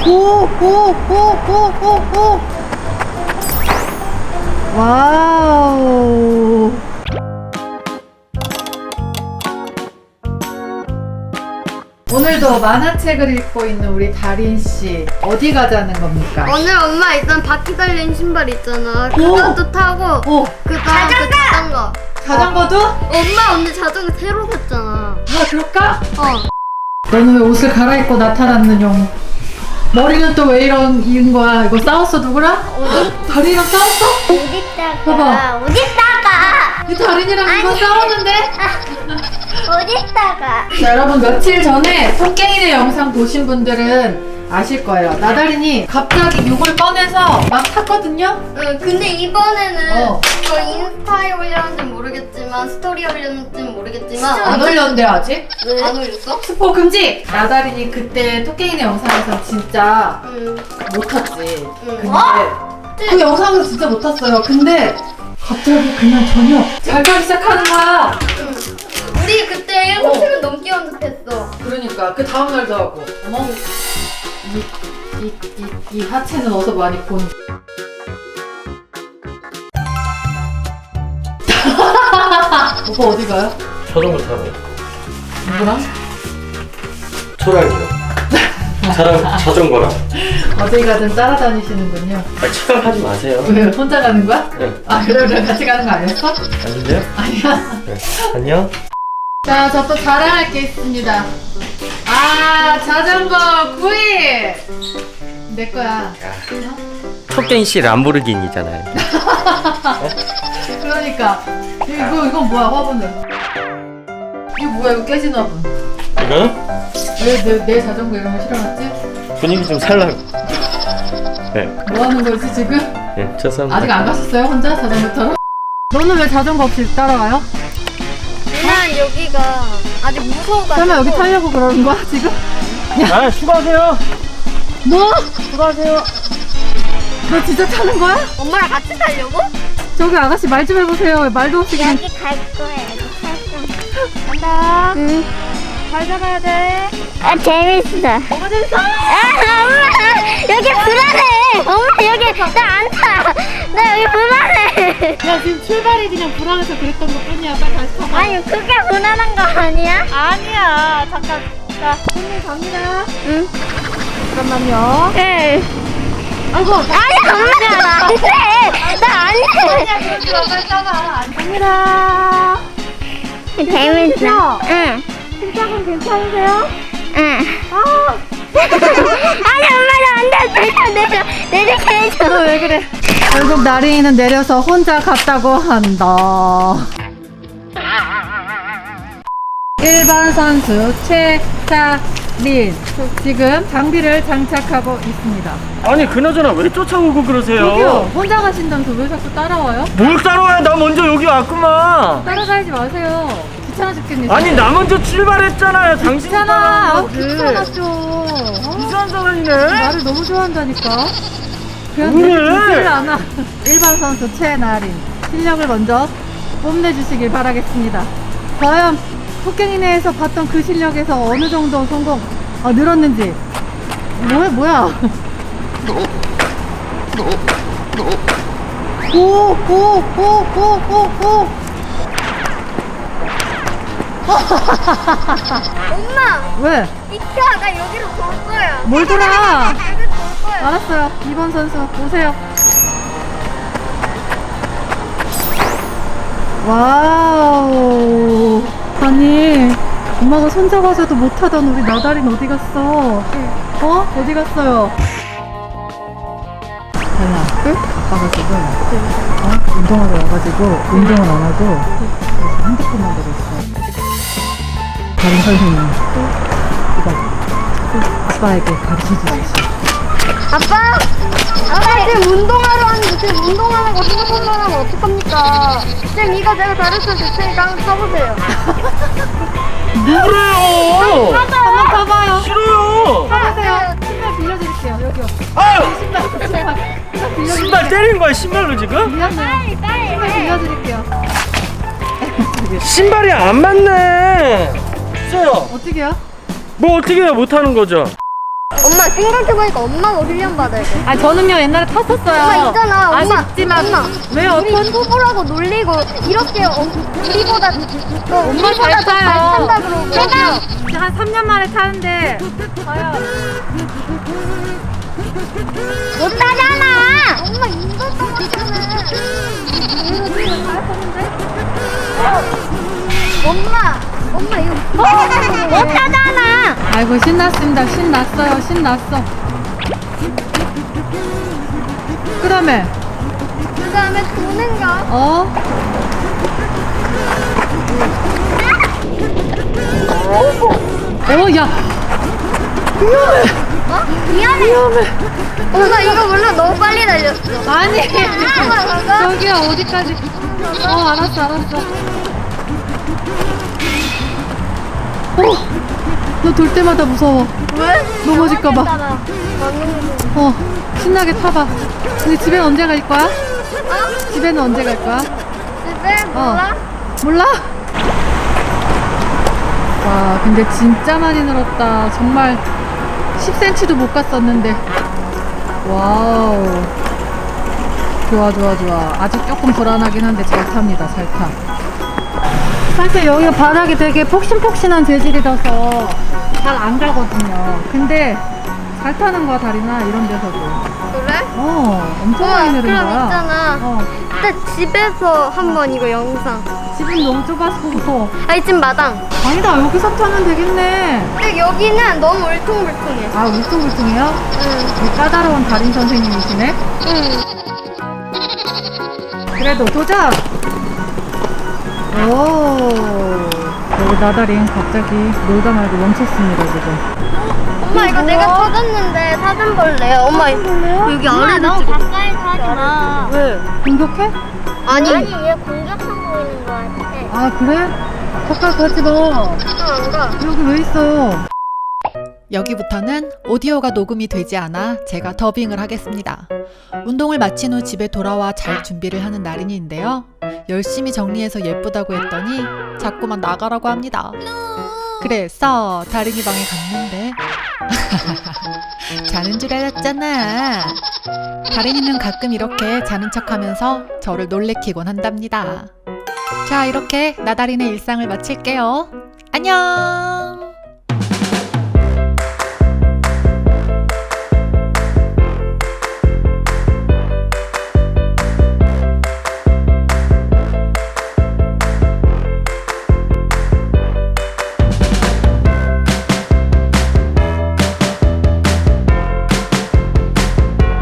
오. 와우. 오늘도 만화책을 읽고 있는 우리 다린씨 어디 가자는 겁니까? 오늘 엄마 일단 바퀴 달린 신발 있잖아. 그것도 타고 그다음 자전거. 자전거도? 엄마 오늘 자전거 새로 샀잖아. 아 그럴까? 너는 왜 옷을 갈아입고 나타났는 용? 머리는 또 왜 이런 거야? 이거 싸웠어 누구랑? 다린이랑 싸웠어? 어딨다가 봐봐. 어딨다가 이 다린이랑 이거 싸웠는데? 어딨다가 자, 여러분 며칠 전에 토깽이네 영상 보신 분들은 아실 거예요. 나다린이 갑자기 욕을 꺼내서 막 탔거든요? 응, 근데 이번에는 어. 저 인스타에 올렸는지는 모르겠지만 스토리에 올렸는지는 모르겠지만 안 올렸는데 아직? 안 올렸어? 스포 금지! 나다린이 그때 토깽이네 영상에서 진짜 응. 못 탔지. 응. 근데 그 영상에서 진짜 못 탔어요. 근데 갑자기 그냥 저녁 잘 타기 시작하는 거야. 응. 우리 그때 7시간 넘게 연습했어. 그러니까 그 다음날도 하고 어머 이 하체는 어디서 많이 본 오빠 어디 가요? 자전거 타네요. 누구랑? 초랑이요. 자전거랑. 어디 가든 따라다니시는군요. 차가 하지 마세요. 왜 혼자 가는 거야? 네. 아 그래 같이 가는 거 아니었어? 아닌데요? 아니야. 네. 안녕. 자, 저 또 자랑할 게 있습니다. 아 자전거 구이 내 거야. 토깽이 씨 람보르기니잖아요. 그러니까 이건 뭐야 화분은? 이거 뭐야 이거 깨진 화분? 이거는 왜 내 자전거 이런 거 실어놨지? 분위기 좀 살라고. 네. 뭐 하는 거지 지금? 네, 죄송합니다. 아직 안 가셨어요 혼자 자전거 타러? 너는 왜 자전거 없이 따라와요? 난 여기가 아직 무서워가지고. 설마 여기 타려고 그러는 거야 지금? 아, 수고하세요. 뭐? 수고하세요. 너 진짜 타는 거야? 엄마랑 같이 타려고? 저기 아가씨 말 좀 해보세요. 왜 말도 없이 그냥. 여기 갈 거야. 여기 갈 거야. 간다. 응. 잘 잡아야 돼. 아 재밌어. 뭐가 재밌어? 아 엄마 여기 불안해. 엄마 여기 나 안 타. 나 여기 불안해. 야 지금 출발이 그냥 불안해서 그랬던 것 뿐이야. 빨리 다시 타봐. 아니 그게 불안한 거 아니야? 아니야. 잠깐. 자, 손님 갑니다. 응. 잠깐만요. 응. 아이고. 아니 엄마 나 안 돼. 나 안 돼. 그러지 마. 빨리 타봐. 갑니다. 재밌어. 응. 심장은 괜찮으세요? 응. 아. 아니 엄마 나 안 돼. 내려. 너 왜 그래? 결국 나린이는 내려서 혼자 갔다고 한다. 일반 선수 최다린 지금 장비를 장착하고 있습니다. 아니, 그나저나 왜 쫓아오고 그러세요? 저기요, 혼자 가신다면서 왜 자꾸 따라와요? 뭘 따라와요? 나 먼저 여기 왔구만. 따라가지 마세요. 귀찮아 죽겠네. 아니, 나 먼저 출발했잖아요. 당신이 귀찮아. 따라하는 거지. 귀찮았죠. 어? 이상한 사람이네. 나를 너무 좋아한다니까. 그냥 왜? 듣지를 않아. 일반 선수 최나린 실력을 먼저 뽐내주시길 바라겠습니다. 과연 토깽이네에서 봤던 그 실력에서 어느 정도 성공 늘었는지. 뭐야? 오. 엄마! 왜? 이키야 나 여기로 돌 거야. 뭘 돌아? 여기로 돌 거야. 알았어요. 2번 선수 오세요. 와우. 아니 엄마가 손잡아서도 못하던 우리 나다린 어디 갔어? 어? 어디 갔어요? 달라. 응? 아빠가 지금 운동하러 와가지고 운동을 안 하고 그래서 핸드폰만 보고 있어. 다른 선생님 이거 아빠에게 가르쳐 주십시오. 아빠! 아빠 지금 운동하러 왔는데 지금 운동하는 거 핸드폰만 하면 어떡합니까? 지금 이거 제가 가르쳐 줄 테니까 한번 써보세요. 뭐래요? 한번 가봐요. 싫어요. 가보세요. 신발 빌려드릴게요. 여기요. 아유, 신발 빌려드릴게요. 신발 때린 거야, 신발로 지금? 미안해요. 신발 빌려드릴게요. 신발이 안 맞네. 써요. 어떻게요? 뭐 어떻게 해요? 못하는 거죠? 엄마 생각해보니까 엄마가 훈련 받아야 돼. 아 저는요 옛날에 탔었어요. 엄마 있잖아. 엄마. 아쉽지만 엄마. 왜 우리 어떤 초보라고 놀리고 이렇게 우리보다 엄마 잘 타요. 탄다 그러고. 제가 한 3년 만에 타는데 과연 못 타잖아. 엄마 인도 따랐잖아. 엄마 이거 못 타잖아. 아이고 신났습니다. 신났어요. 신났어. 그다음에 그다음에 도는가? 어? 야 미안해. 엄마 이거 몰라 너무 빨리 달렸어. 아니 엄마 가가. 저기야 어디까지? 알았어. 너 돌 때마다 무서워. 왜? 넘어질까봐. 신나게 타봐. 근데 집엔 언제 갈 거야? 집에는 언제 갈 거야? 집에 몰라? 몰라? 와, 근데 진짜 많이 늘었다. 정말 10cm도 못 갔었는데. 와우. 좋아. 아직 조금 불안하긴 한데 잘 탑니다. 잘 타. 사실 여기가 바닥이 되게 폭신폭신한 재질이라서 잘 안 가거든요. 근데 잘 타는 거야, 다리나 이런 데서도. 그래? 엄청 많이 늘은 그럼 거야. 있잖아. 그때 집에서 한번 이거 영상. 집은 너무 좁아서 무서워. 아니 집 마당. 아니다, 여기서 타면 되겠네. 근데 여기는 너무 울퉁불퉁해. 아, 울퉁불퉁해요? 응. 까다로운 달인 선생님이시네. 그래도 도전! 오, 여기 나다린 갑자기 놀다 말고 멈췄습니다, 지금. 엄마 이거 내가 찾았는데 사진 볼래? 엄마 여기 아래 너무 가까이 하지 마. 왜? 공격해? 아니 얘 공격성 보이는 거 같아. 아, 그래? 가까이 가지 마. 안 가. 여기 왜 있어? 여기부터는 오디오가 녹음이 되지 않아 제가 더빙을 하겠습니다. 운동을 마친 후 집에 돌아와 잘 준비를 하는 나린이인데요. 열심히 정리해서 예쁘다고 했더니 자꾸만 나가라고 합니다. 그래서 다린이 방에 갔는데 자는 줄 알았잖아. 다린이는 가끔 이렇게 자는 척하면서 저를 놀래키곤 한답니다. 자, 이렇게 나다린의 일상을 마칠게요. 안녕.